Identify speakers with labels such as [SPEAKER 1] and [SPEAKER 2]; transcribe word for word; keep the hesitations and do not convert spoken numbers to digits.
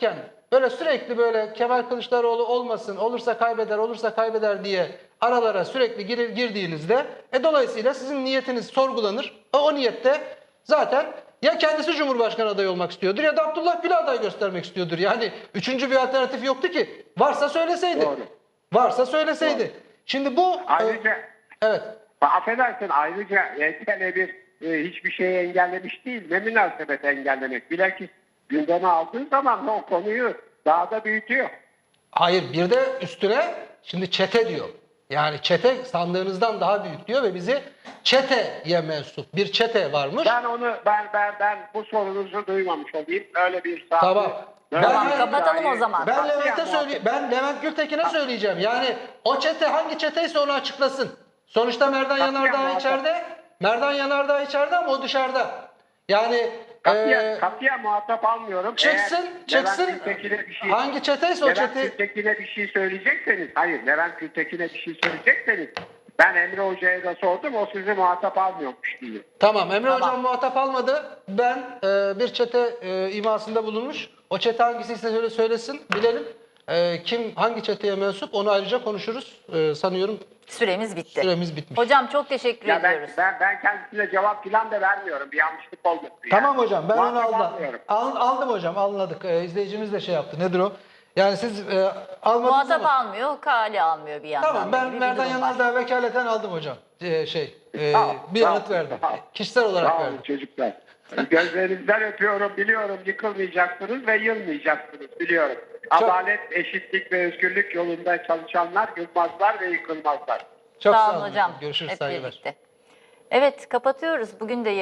[SPEAKER 1] anlatırken böyle sürekli böyle Kemal Kılıçdaroğlu olmasın, olursa kaybeder, olursa kaybeder diye aralara sürekli gir, girdiğinizde e, dolayısıyla sizin niyetiniz sorgulanır. O, o niyette zaten ya kendisi Cumhurbaşkanı adayı olmak istiyordur ya da Abdullah Gül'ü aday göstermek istiyordur. Yani üçüncü bir alternatif yoktu ki. Varsa söyleseydi.
[SPEAKER 2] Doğru.
[SPEAKER 1] Varsa söyleseydi.
[SPEAKER 2] Doğru.
[SPEAKER 1] Şimdi bu...
[SPEAKER 2] Ayrıca,
[SPEAKER 1] e, evet.
[SPEAKER 2] affedersin, ayrıca Y T L bir e, hiçbir şeyi engellemiş değil. Ne münasebet engellemek. Bilakis gündeme aldığın zaman o konuyu daha da büyütüyor.
[SPEAKER 1] Hayır, bir de üstüne şimdi çete diyor. Yani çete sandığınızdan daha büyük diyor ve bizi çeteye mensup bir çete varmış.
[SPEAKER 2] Ben onu ben ben ben bu sorunuzu duymamış olayım. Öyle bir saat.
[SPEAKER 1] Tamam.
[SPEAKER 2] Böyle
[SPEAKER 1] Ben-
[SPEAKER 2] bir
[SPEAKER 3] kapatalım
[SPEAKER 2] dahi-
[SPEAKER 3] o zaman.
[SPEAKER 1] Ben
[SPEAKER 2] Katiyen
[SPEAKER 1] Levent'e
[SPEAKER 2] muhabbet-
[SPEAKER 1] söyleyeyim. Ben Levent Gültekin'e söyleyeceğim. Yani o çete hangi çeteyse onu açıklasın. Sonuçta Merdan
[SPEAKER 2] Katiyen
[SPEAKER 1] Yanardağ
[SPEAKER 2] muhabbet.
[SPEAKER 1] içeride. Merdan Yanardağ içeride ama o dışarıda. Yani
[SPEAKER 2] Katiyen,
[SPEAKER 1] e,
[SPEAKER 2] katiyen muhatap almıyorum.
[SPEAKER 1] çıksın,
[SPEAKER 2] Eğer
[SPEAKER 1] çıksın.
[SPEAKER 2] Levent Gültekin'e bir şey,
[SPEAKER 1] Hangi çeteyse o
[SPEAKER 2] Levent
[SPEAKER 1] çete.
[SPEAKER 2] Gültekin'e bir şey söyleyecekseniz, hayır Levent Gültekin'e bir şey söyleyecekseniz, ben Emre Hoca'ya da sordum, o sizi muhatap almıyormuş diye.
[SPEAKER 1] Tamam, Emre
[SPEAKER 3] Tamam.
[SPEAKER 1] Hocam muhatap almadı. Ben e, bir çete e, imasında bulunmuş. O çete hangisiyse söyle söylesin, bilelim. E, kim hangi çeteye mensup onu ayrıca konuşuruz. E, sanıyorum
[SPEAKER 3] Süremiz bitti.
[SPEAKER 1] süremiz bitmiş.
[SPEAKER 3] Hocam çok teşekkür
[SPEAKER 2] Ya ben,
[SPEAKER 3] ediyoruz.
[SPEAKER 2] ben, ben kendisine cevap falan da vermiyorum. Bir yanlışlık olmasın. yani.
[SPEAKER 1] Tamam hocam, ben onu
[SPEAKER 2] Muhatap
[SPEAKER 1] aldım.
[SPEAKER 2] almıyorum.
[SPEAKER 1] Al- aldım hocam, anladık. E, izleyicimiz de şey yaptı. Nedir o? Yani siz e, almadınız
[SPEAKER 3] Muhatap
[SPEAKER 1] ama.
[SPEAKER 3] almıyor, kale almıyor bir yandan.
[SPEAKER 1] Tamam,
[SPEAKER 3] da
[SPEAKER 1] ben
[SPEAKER 3] gibi bir
[SPEAKER 1] Merdan
[SPEAKER 3] durum var.
[SPEAKER 1] Yanardağ'a vekaleten aldım hocam. E, şey, e,
[SPEAKER 2] Sağ ol,
[SPEAKER 1] bir
[SPEAKER 2] sağ ol,
[SPEAKER 1] yanıt verdim.
[SPEAKER 2] sağ ol.
[SPEAKER 1] Kişisel olarak
[SPEAKER 2] Sağ olun
[SPEAKER 1] verdim.
[SPEAKER 2] çocuklar. Gözlerinizden öpüyorum, biliyorum yıkılmayacaksınız ve yılmayacaksınız, biliyorum. Adalet, eşitlik ve özgürlük yolunda çalışanlar yılmazlar ve yıkılmazlar.
[SPEAKER 1] Çok
[SPEAKER 3] Sağ
[SPEAKER 1] sağ
[SPEAKER 3] olun
[SPEAKER 1] olun
[SPEAKER 3] hocam.
[SPEAKER 1] Görüşürüz,
[SPEAKER 3] Hep
[SPEAKER 1] saygılar.
[SPEAKER 3] birlikte. Evet, kapatıyoruz. Bugün de